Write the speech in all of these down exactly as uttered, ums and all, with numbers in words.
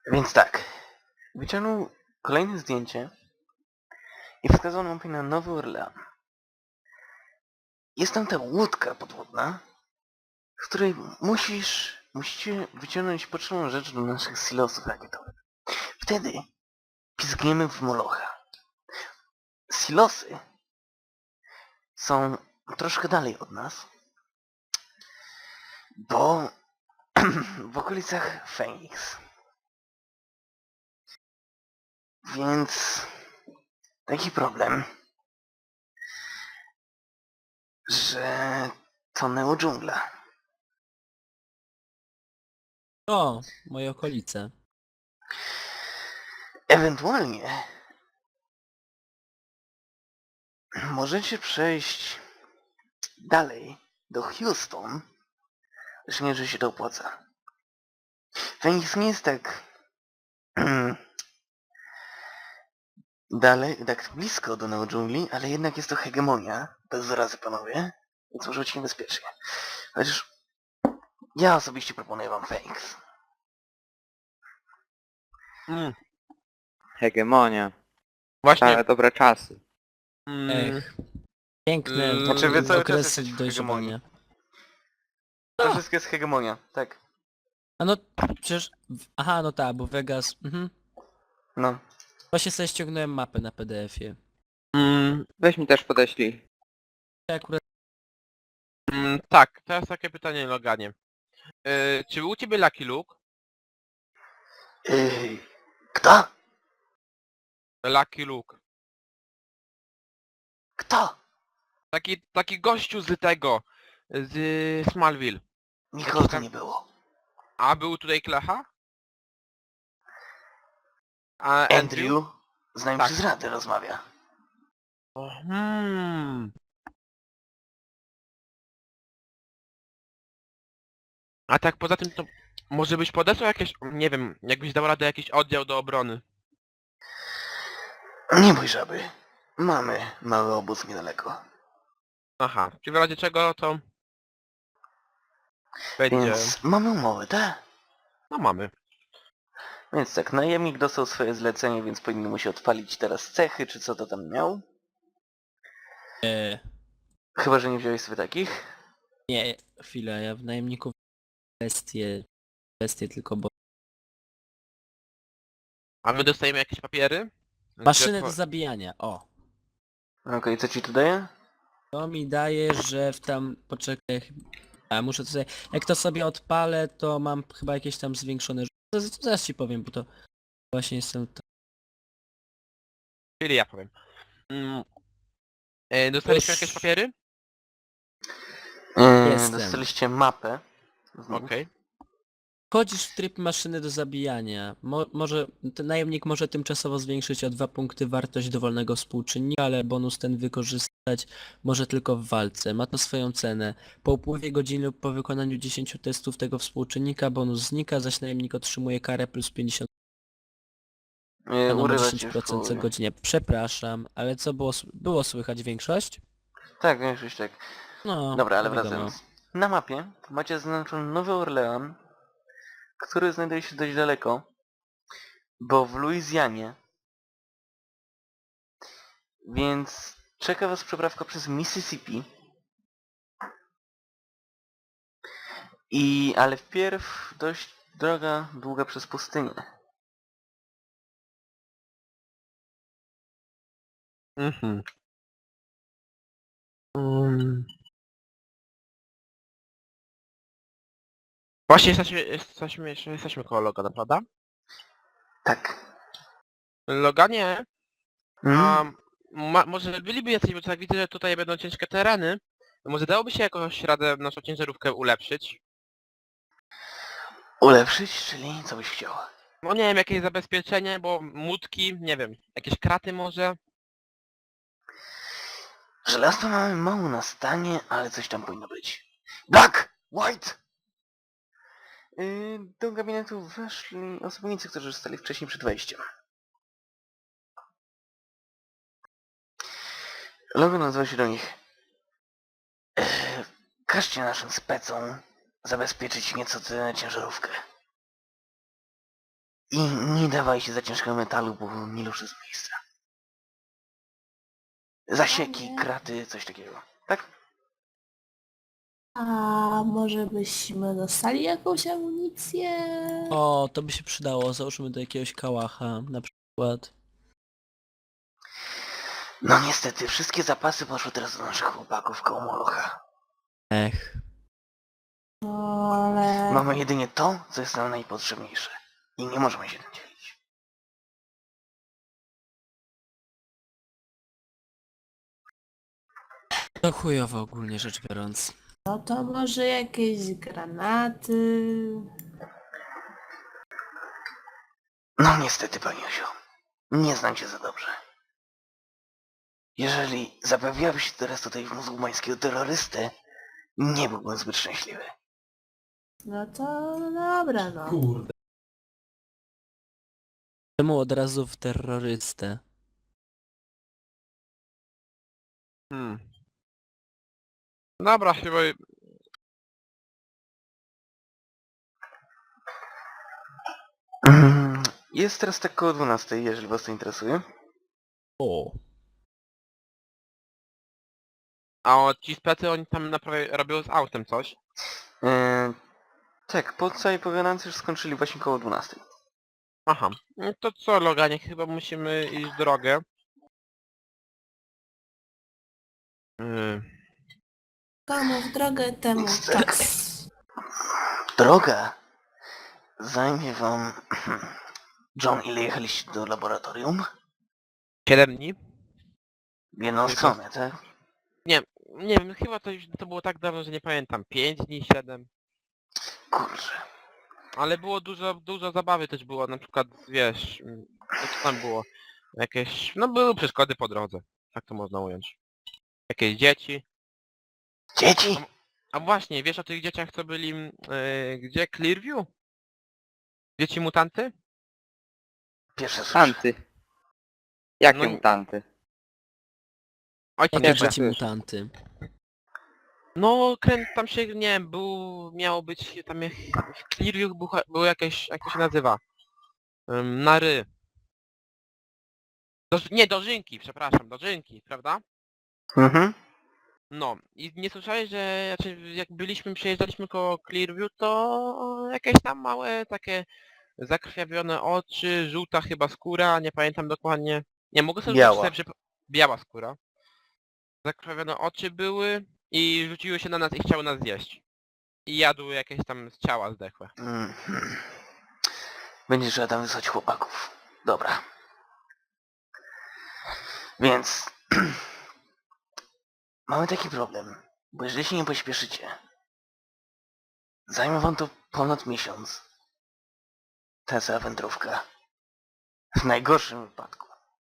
Więc tak, wyciągnął kolejne zdjęcie i wskazał mapie na Nowy Orlean. Jest tam ta łódka podwodna, z której musisz, musicie wyciągnąć potrzebną rzecz do naszych silosów rakietowych. Wtedy pizgniemy w Molocha. Silosy są troszkę dalej od nas, bo w okolicach Phoenix. Więc taki problem, że to neodżungla. O, moje okolice. Ewentualnie możecie przejść dalej do Houston, lecz nie, że się to opłaca. Phoenix nie jest tak dalej, tak blisko do neodżungli, ale jednak jest to hegemonia, bez zarazy panowie, więc może być niebezpiecznie. Chociaż ja osobiście proponuję wam Phoenix. Mm. Hegemonia. Właśnie. Ale dobre czasy. Mm. Ech. Piękne Mm, Znaczy wy cały czas okresy jesteście w dojrzewania. To wszystko jest hegemonia, tak. A no przecież... w- Aha, no tak, bo Vegas... Mhm. No. Właśnie sobie ściągnąłem mapę na P D F-ie. Mm. Weź mi też podeślij. Ja akurat... Mm. Tak, teraz takie pytanie, Loganie. Yy, czy był u ciebie Lucky Luke? Yy, kto? Lucky Luke. Kto? Taki, taki gościu z tego, z Smallville. Nikogo tu tam- nie było. A był tutaj Klecha? A Andrew? Andrew z nami Tak. przez radę rozmawia. O, Hmm. A tak poza tym to może byś podesłał jakieś, nie wiem, jakbyś dał radę jakiś oddział do obrony. Nie bój żaby. Mamy mały obóz niedaleko. Aha, czy w razie czego to będzie... Więc mamy umowę, tak? No mamy. Więc tak, najemnik dostał swoje zlecenie, więc powinien mu się odpalić teraz cechy, czy co to tam miał. E, Chyba, że nie wziąłeś sobie takich. nie, chwilę, ja w najemników bestie... Bestie tylko, bo... A my dostajemy jakieś papiery? Maszyny do Gdzie- zabijania, o. Okej, co ci tu daje? To mi daje, że w tam... Poczekaj... A, muszę to sobie... Jak to sobie odpalę, to mam chyba jakieś tam zwiększone... Zaraz, zaraz ci powiem, bo to... Właśnie jestem... Czyli ja powiem. Mm. E, dostaliśmy Już. jakieś papiery? Yy, Jestem. dostaliście mapę. z nich. Okej. Wchodzisz w tryb maszyny do zabijania. Mo może ten najemnik może tymczasowo zwiększyć o dwa punkty wartość dowolnego współczynnika, ale bonus ten wykorzystać może tylko w walce. Ma to swoją cenę. Po upływie godziny lub po wykonaniu dziesięciu testów tego współczynnika bonus znika, zaś najemnik otrzymuje karę plus pięćdziesiąt Yy, na urywa cię dziesięć już procent co połowie. godzinie. Przepraszam, ale co było, s- było słychać większość? Tak, większość tak. No, Dobra, ale to wiadomo. wracając. Na mapie macie zaznaczony Nowy Orlean, który znajduje się dość daleko, bo w Luizjanie. Więc czeka was przeprawka przez Mississippi. I ale wpierw dość droga długa przez pustynię. Mhm. Mm. Właśnie jesteśmy, jesteśmy, jeszcze jesteśmy koło Logana, prawda? Tak. Loganie, Mm? a ma, może byliby jacyś, bo tak widzę, że tutaj będą ciężkie tereny. Może dałoby się jakoś radę naszą ciężarówkę ulepszyć? Ulepszyć, czyli co byś chciał? No nie wiem, jakieś zabezpieczenie, bo łódki, nie wiem, jakieś kraty może? Żelazko mamy mało na stanie, ale coś tam powinno być. Black! White! Yy, do gabinetu weszli osobnicy, którzy zostali wcześniej przed wejściem. Logan nazywa się do nich. Yy, każcie naszym specom zabezpieczyć nieco tę ciężarówkę. I nie dawaj się za ciężkiego metalu, bo nie ruszy z miejsca. Zasieki, nie. kraty, coś takiego. Tak? A może byśmy dostali jakąś amunicję? O, to by się przydało, załóżmy do jakiegoś kałacha na przykład. No niestety, wszystkie zapasy poszły teraz do naszych chłopaków koło Molocha. Ech. No, ale... Mamy jedynie to, co jest nam najpotrzebniejsze. I nie możemy się tym dzielić. To chujowo ogólnie rzecz biorąc. No to może jakieś granaty... No niestety, paniusio. Nie znam cię za dobrze. Jeżeli zabawiłabyś się teraz tutaj w muzułmańskiego terrorystę, nie byłbym zbyt szczęśliwy. No to dobra, no. Kurde. Czemu od razu w terrorystę? Hmm. Dobra, chyba... Mm, Jest teraz tak koło dwunastej, jeżeli was to interesuje. O. A o, ci specy oni tam naprawdę robią z autem coś. Eee, tak, po całej pogadance już skończyli właśnie koło dwunastej. Aha. No to co, Loganie, chyba musimy iść w drogę. Yy. Komu w drogę, temu Niestety. tak. Droga zajmie wam... John, ile jechaliście do laboratorium? siedem dni? W jedną Tylko- stronę, tak? Nie wiem, chyba to już to było tak dawno, że nie pamiętam. pięć dni, siedem. Kurczę. Ale było dużo, dużo zabawy też było, na przykład, wiesz, mm, co to tam było? Jakieś, no były przeszkody po drodze, tak to można ująć. Jakieś dzieci. Dzieci? A właśnie, wiesz o tych dzieciach, co byli, mm, yy, gdzie? Clearview? Dzieci mutanty? Pierwsze słyszę. Tanty. Jakie No- mutanty? Ojciec Jakie Pierwsze dzieci słyszę. mutanty? No, kręt tam się, nie wiem, był, miało być, tam jak, w Clearview był, był jakieś, jak to się nazywa? Ym, na ry. Do, nie, dożynki, przepraszam, dożynki, prawda? Mhm. No, i nie słyszałeś, że znaczy, jak byliśmy, przejeżdżaliśmy koło Clearview, to jakieś tam małe takie zakrwawione oczy, żółta chyba skóra, nie pamiętam dokładnie. Nie, mogę sobie Biała. sobie przypo- Biała skóra. Zakrwawione oczy były i rzuciły się na nas i chciały nas zjeść. I jadły jakieś tam z ciała zdechłe. Mhm. Będzie trzeba tam wysłać chłopaków. Dobra. Więc... Mamy taki problem, bo jeżeli się nie pośpieszycie, zajmie wam to ponad miesiąc. Ta cała wędrówka. W najgorszym wypadku.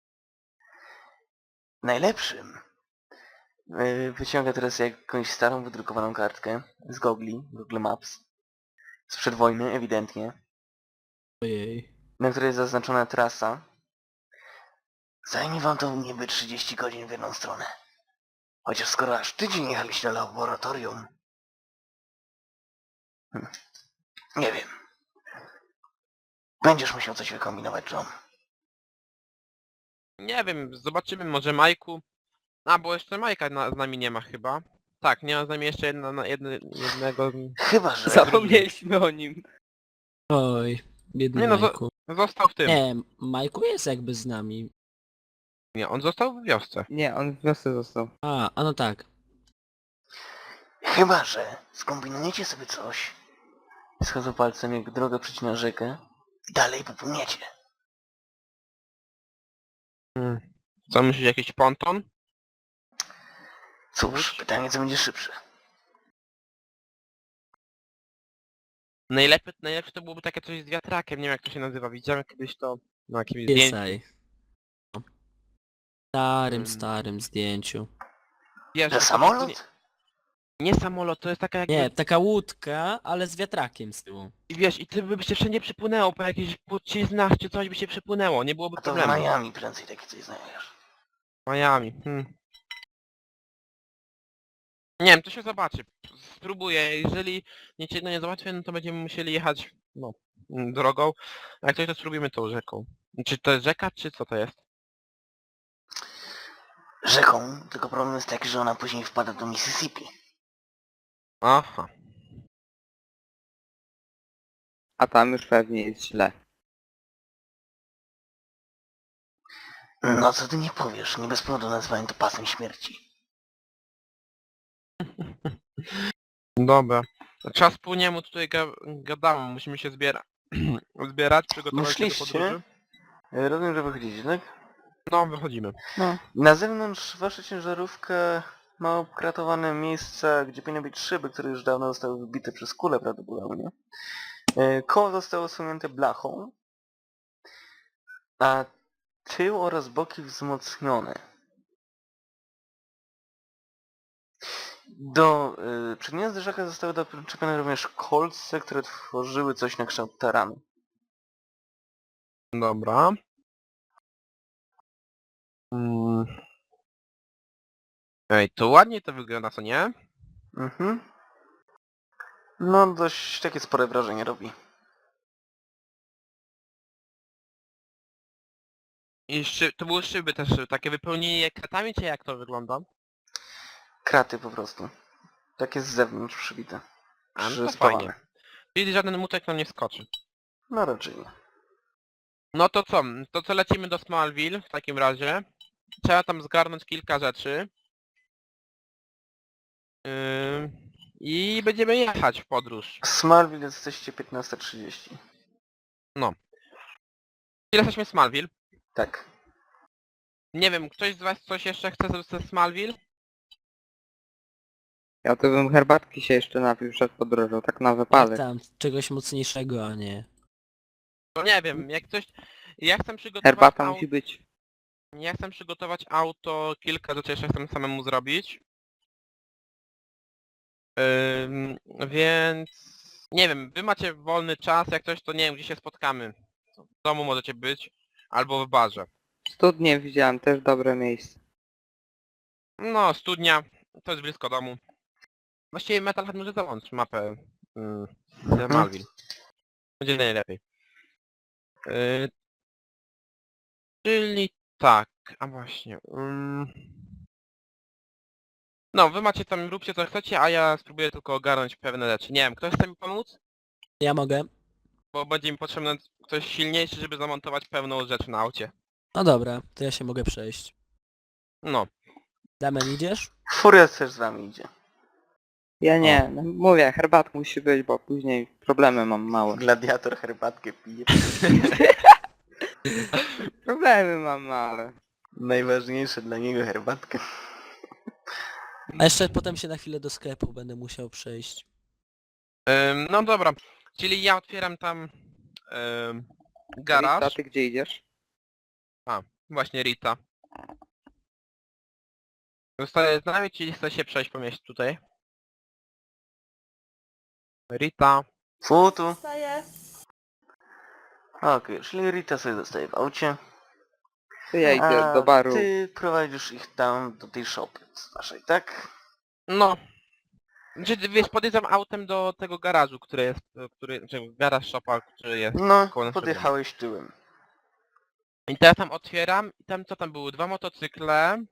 W najlepszym yy, wyciąga teraz jakąś starą, wydrukowaną kartkę z Gogli, Google Maps. Sprzed wojny, ewidentnie. Ojej. Na której jest zaznaczona trasa. Zajmie wam to niby trzydzieści godzin w jedną stronę. Chociaż skoro aż tydzień jechaliście do laboratorium... Hm. Nie wiem. Będziesz musiał coś wykombinować, John. Nie wiem, zobaczymy, może Majku. A, bo jeszcze Majka na, z nami nie ma chyba. Tak, nie ma z nami jeszcze jedna, na- jedne, jednego... Chyba, że... Zapomnieliśmy o nim. Oj, biedny Nie no, zo- Majku. Został w tym. Nie, Majku jest jakby z nami. Nie, on został w wiosce. Nie, on w wiosce został. A, a no tak. Chyba, że skombinujecie sobie coś. Schodzą palcem, jak drogę przecina rzekę. I dalej popłyniecie. Hmm. Co myślisz, jakiś ponton? Cóż, pytanie, co będzie szybsze. Najlepiej, najlepsze to byłoby takie coś z wiatrakiem, nie wiem jak to się nazywa. Widziałem kiedyś to na jakimś zdjęciu. Piesaj. Starym, Mm. starym zdjęciu. Wiesz, Że to samolot? Nie, nie samolot, to jest taka jakby... Nie, taka łódka, ale z wiatrakiem z tyłu. I wiesz, i ty by się wszędzie przypłynęło, po jakichś płciznach czy coś by się przypłynęło, nie byłoby A to w problemu. Miami prędzej takie coś znajdziesz. Miami. Hmm. Nie wiem, to się zobaczy. Spróbuję. Jeżeli niczego nie załatwię, no to będziemy musieli jechać, no, mm, drogą. A jak coś, to spróbujemy tą rzeką. Czy to jest rzeka, czy co to jest? Rzeką, tylko problem jest taki, że ona później wpada do Mississippi. Aha. A tam już pewnie jest źle. No co ty nie powiesz, nie bez powodu nazwałem to pasem śmierci. Dobra. Czas po niemu tutaj ga gadamy, musimy się zbiera zbierać, przygotować się do Myśliście? podróży. E, Rozumiem, że wychodzicie, tak? No, wychodzimy. No. Na zewnątrz wasza ciężarówka ma obkratowane miejsca, gdzie powinny być szyby, które już dawno zostały wybite przez kulę prawdopodobnie. E, Koło zostało osunięte blachą, a tył oraz boki wzmocnione. Do y, przednia zderzaka zostały doczepione również kolce, które tworzyły coś na kształt taranu. Dobra. Mm. Ej, to ładnie to wygląda, co nie? Mhm. No dość takie spore wrażenie robi. I szy to były szyby też, takie wypełnienie kratami, czy jak to wygląda? Kraty po prostu. Takie z zewnątrz przybite. A, no to Przyspawane. fajnie. Czyli żaden mutek nam nie skoczy. No raczej nie. No to co? To co lecimy do Smallville w takim razie. Trzeba tam zgarnąć kilka rzeczy. Yy, I będziemy jechać w podróż. W Smallville jesteście piętnasta trzydzieści. Ile jesteśmy w Smallville? Tak. Nie wiem, ktoś z was coś jeszcze chce ze- ze Smallville? Ja to bym herbatki się jeszcze napił przed podróżą, tak na Jak wypadek. tam, czegoś mocniejszego, a nie. No nie wiem, jak coś... Ja chcę przygotować Herbata au... musi być. Ja chcę przygotować auto, kilka rzeczy jeszcze chcę samemu zrobić. Ym, więc... Nie wiem, wy macie wolny czas, jak coś to nie wiem, gdzie się spotkamy. W domu możecie być, albo w barze. Studnie widziałem, też dobre miejsce. No, studnia, to jest blisko domu. Właściwie Metalhead może załącz mapę mm, z Malville. Będzie najlepiej. Yy, czyli tak, a właśnie. Ym... No, wy macie tam, róbcie co chcecie, a ja spróbuję tylko ogarnąć pewne rzeczy. Nie wiem, ktoś chce mi pomóc? Ja mogę. Bo będzie mi potrzebny ktoś silniejszy, żeby zamontować pewną rzecz na aucie. No dobra, to ja się mogę przejść. No. Damian, idziesz? Furiat też z wami idzie. Ja nie, no mówię, herbatka musi być, bo później problemy mam małe. Gladiator herbatkę pije. Problemy mam małe. Najważniejsze dla niego herbatkę. A jeszcze potem się na chwilę do sklepu będę musiał przejść. Ym, no dobra, czyli ja otwieram tam ym, garaż. Rita, ty gdzie idziesz? Właśnie Rita. Zostaje z nami, czyli chce się przejść po mieście tutaj. Rita. Futu. Wstaję. Okej, czyli Rita sobie zostaje w aucie. To ja idę A do baru. ty prowadzisz ich tam do tej shopy waszej, tak? No. Znaczy, wiesz, podjeżdżam autem do tego garażu, który jest, który, znaczy garaż shopa, który jest No, koło naszego domu. podjechałeś tyłem. I teraz tam otwieram i tam co tam były? Dwa motocykle.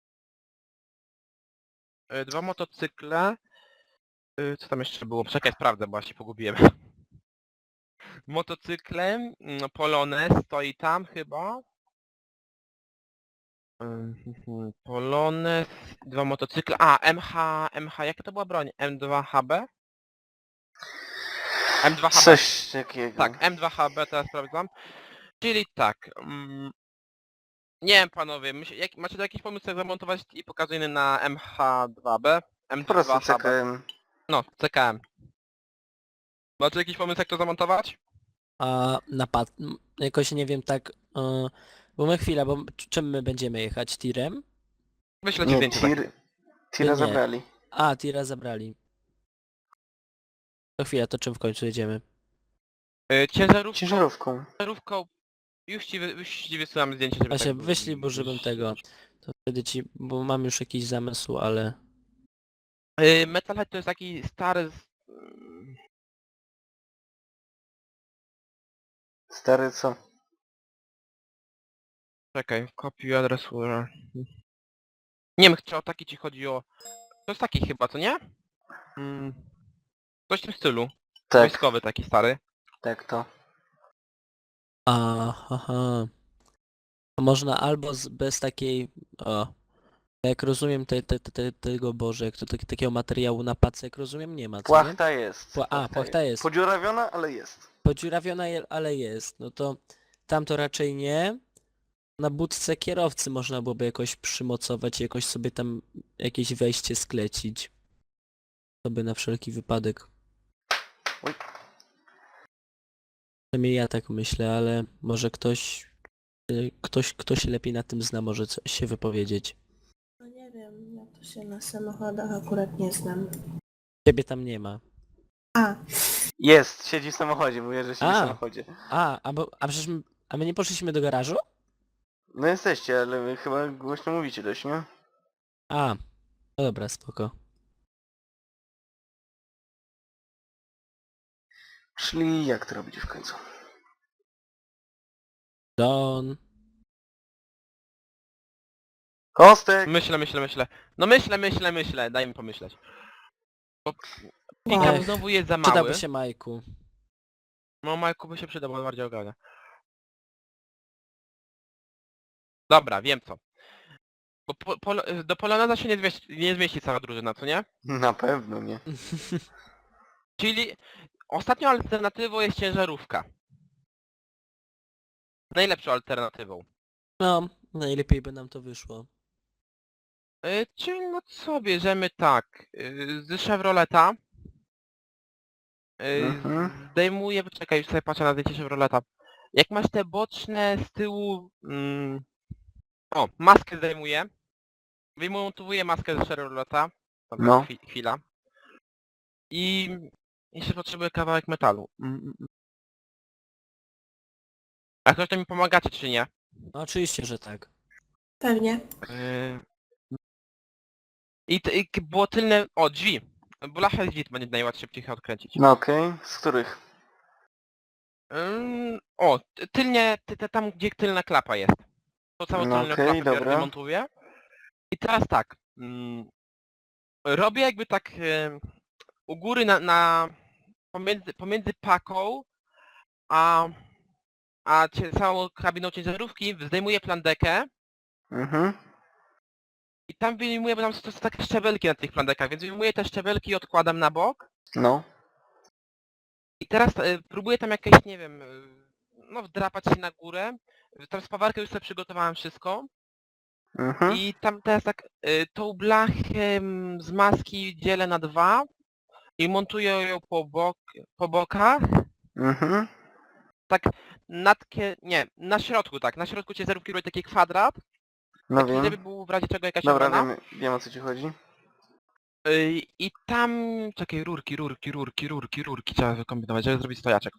Y, Dwa motocykle. Y, Co tam jeszcze było? Czekaj, sprawdzę, bo ja się pogubiłem. Motocykle, mm, Polones stoi tam chyba. Mhm, Polones, dwa motocykle. A, M H, M H, jaka to była broń? M dwa H B? M dwa H B. Coś takiego. Tak, M dwa H B teraz sprawdzam. Czyli tak. Mm, nie wiem panowie, myśl, jak, macie tu jakiś pomysł jak zamontować i pokazuję na M H dwa B? M Po dwa prostu H B. C K M. No, C K M. Macie jakiś pomysł jak to zamontować? A napad... m, jakoś nie wiem tak... e, bo my chwila, bo c- czym my będziemy jechać? Tirem? Wyślę ci Nie, zdjęcie. takie. tir... Tira Nie. zabrali. A, tira zabrali. To chwila, to czym w końcu jedziemy? Y, Ciężarówką, Ciężarówką. ciężarówką. Już ci, wy, już ci wysyłam zdjęcie, żeby Właśnie, tak- wyślij, bo żebym tego... To wtedy ci... bo mam już jakiś zamysł, ale... Yy, Metalhead to jest taki stary... z- mm, Stary co? Czekaj, copy address where... Nie wiem, czy o taki ci chodzi o... To jest taki chyba, co nie? Mm, coś w tym stylu. Tak, Wojskowy taki stary. tak to. Aha. To można albo z, bez takiej... O. Jak rozumiem te, te, te, te, tego Boże, jak to tak, takiego materiału na pace, jak rozumiem, nie ma, co nie? Płachta jest. Pła- a, płachta jest. Podziurawiona, ale jest. Podziurawiona, je- ale jest. No to tam to raczej nie. Na budce kierowcy można byłoby jakoś przymocować, jakoś sobie tam jakieś wejście sklecić. To by na wszelki wypadek. Oj. Przynajmniej ja tak myślę, ale może ktoś, y, ktoś, kto się lepiej na tym zna, może coś się wypowiedzieć. No nie wiem, ja to się na samochodach akurat nie znam. Ciebie tam nie ma. A, Jest, siedzi w samochodzie, mówię, że siedzi A. w samochodzie. A, a, bo, a przecież my, a my nie poszliśmy do garażu? No jesteście, ale wy chyba głośno mówicie dość, nie? A, no dobra, spoko. Czyli jak to robicie w końcu? Don. Kostek! Myślę, myślę, myślę. No myślę, myślę, myślę. Daj mi pomyśleć. Bo Pickup Ech, znowu jest za mały. Przydałby się Majku. No Majku by się przydał, bo bardziej ogarnia. Dobra, wiem co. Bo po, polo, do Poloneza się nie zmieści, nie zmieści cała drużyna, co nie? Na pewno nie. Czyli ostatnią alternatywą jest ciężarówka. Najlepszą alternatywą. No, najlepiej by nam to wyszło. Yy, czyli no co, bierzemy tak. Yy, z Chevroleta. Yy, Mhm. Zdejmuję, poczekaj, już sobie patrzę na zdjęcie Chevroleta. Jak masz te boczne z tyłu... Mm, o, maskę zdejmuję. Wymontowuję maskę z Chevroleta. Dobra, No. chwi- chwila. I jeszcze potrzebuję kawałek metalu. Mm, mm, mm. A ktoś to mi pomagacie, czy nie? No oczywiście, że tak. pewnie. Yy... I, t- I k- było tylne... O, drzwi. Blachę drzwi będzie najłatwiej ich odkręcić. No okej, z których? Ym, o, ty- tylnie, ty, ty, tam gdzie tylna klapa jest. To całą No tylną okej, klapę biorę, dobra. wymontuję. I teraz tak. Mm, robię jakby tak em, u góry na, na pomiędzy, pomiędzy paką a, a cie, całą kabiną ciężarówki zdejmuję plandekę Mhm. i tam wyjmuję, bo tam są, to są takie szczebelki na tych plandekach, więc wyjmuję te szczebelki i odkładam na bok. No. I teraz e, próbuję tam jakieś, nie wiem, e, no wdrapać się na górę. Tam spawarkę już sobie przygotowałem wszystko. Mhm. I tam teraz tak y, tą blachę mm, z maski dzielę na dwa i montuję ją po, bok, po bokach. Mhm. Tak nad kie... nie, na środku tak, na środku ciężarówki robię taki kwadrat, No taki, wiem. żeby był w razie czego jakaś Dobra, obrona. wiem, wiem o co ci chodzi. Y, I tam, czekaj, rurki, rurki, rurki, rurki, rurki trzeba wykombinować, żeby zrobić stojaczek.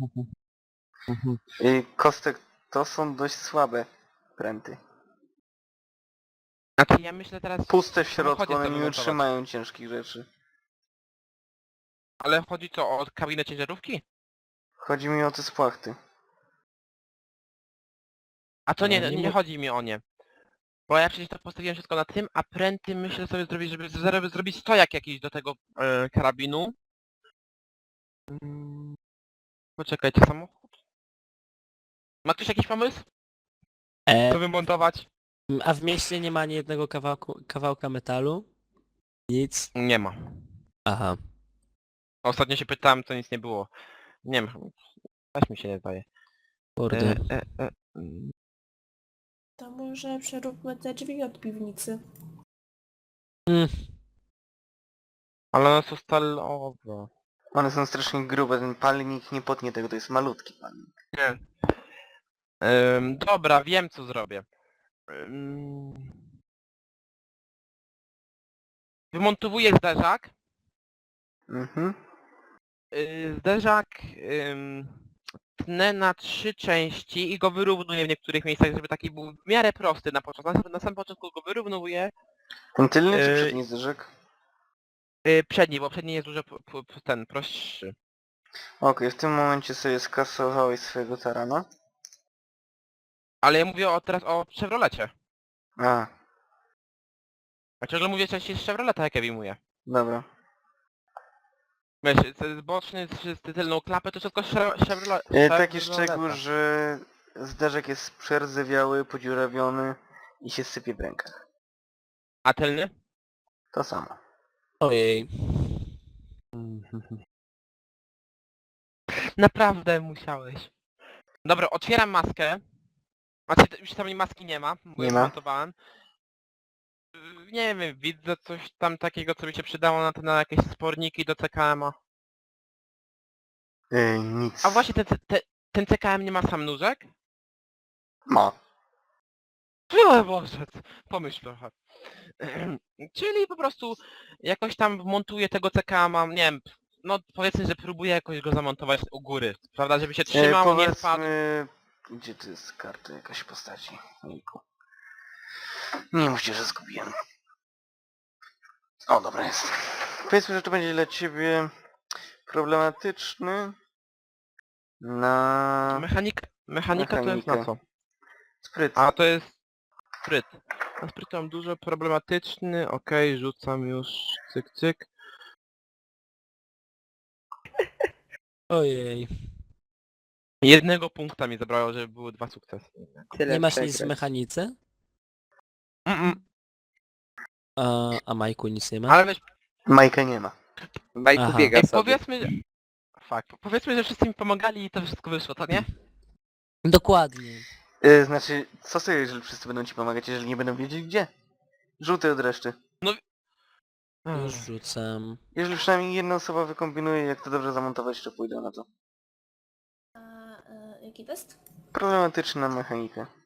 I kostek to są dość słabe pręty. Znaczy ja myślę teraz... Puste w w środku, samochodzie one to nie wymontować. utrzymają ciężkich rzeczy. Ale chodzi co, o kabinę ciężarówki? Chodzi mi o te spłachty. A to nie, No, nie nie mu- chodzi mi o nie. Bo ja przecież to postawiłem wszystko na tym, a pręty myślę sobie zrobić, żeby z- zrobić stojak jakiś do tego e, karabinu. Mm, Poczekajcie, samochód. Ma ktoś jakiś pomysł? E, Co wymontować? a w mieście nie ma ani jednego kawałku, kawałka metalu? Nic? Nie ma. Aha. Ostatnio się pytałem, to nic nie było. Nie wiem, coś mi się nie zdaje. Kurde. E, e, e, mm. To może przeróbmy te drzwi od piwnicy. Mm, Ale one są stalowe. One są strasznie grube, ten palnik nie potnie tego, to jest malutki palnik. Nie. Ym, dobra, wiem co zrobię. Ym... Wymontowuję zderzak. Mhm. Yy, zderzak ym, tnę na trzy części i go wyrównuję w niektórych miejscach, żeby taki był w miarę prosty na początku. Na, na samym początku go wyrównowuję. Ten tylny czy Yy, przedni zderzak? Yy, przedni, bo przedni jest dużo p- p- ten prostszy. Okej, w tym momencie sobie skasowałeś swojego tarana. Ale ja mówię o, teraz o Chevrolecie. A, A ciągle mówię, że się z Chevroleta jak ja wyjmuję. dobra. Wiesz, z boczny, z z tylną klapę, to wszystko Chevro- Chevrolet. E, taki Chevroleta. szczegół, że zderzek jest przerdzewiały, podziurawiony i się sypie w rękach. A tylny? To samo. Ojej. Naprawdę musiałeś. Dobra, otwieram maskę. Znaczy, t- już tam maski nie ma, bo Nie ją ma. montowałem. Yy, Nie wiem, widzę coś tam takiego, co by się przydało na, te, na jakieś sporniki do C K M a. E, nic. A właśnie, ten, C- te, ten C K M nie ma sam nóżek? Ma. O Boże, c- pomyśl trochę. Czyli po prostu jakoś tam montuję tego C K M a, nie wiem, no powiedzmy, że próbuję jakoś go zamontować u góry, prawda, żeby się E, trzymał, nie spadł. powiedzmy... Gdzie to jest karta jakaś postaci? Ojku. Nie mówcie, że zgubiłem. O, dobra jest. Powiedzmy, że to będzie dla ciebie problematyczny na Mechanika, mechanika to jest na Mechanikę. co? spryt. A to jest spryt. Na spryt mam dużo problematyczny, okej, rzucam już, cyk cyk. Ojej. Jednego punkta mi zabrało, żeby były dwa sukcesy. Tyle Nie masz nic w przegrać. mechanice? Mm -mm. A, a Majku nic nie ma? Ale weź, Majka nie ma. Bajku Aha. biega ej, sobie. powiedzmy, że... Fuck, powiedzmy, że wszyscy mi pomagali i to wszystko wyszło, to nie? Dokładnie. E, znaczy, co sobie, jeżeli wszyscy będą ci pomagać, jeżeli nie będą wiedzieć gdzie? Żółty od reszty. Już rzucam. Jeżeli przynajmniej jedna osoba wykombinuje, jak to dobrze zamontować, to pójdę na to. A, e, jaki test? Problematyczna mechanika.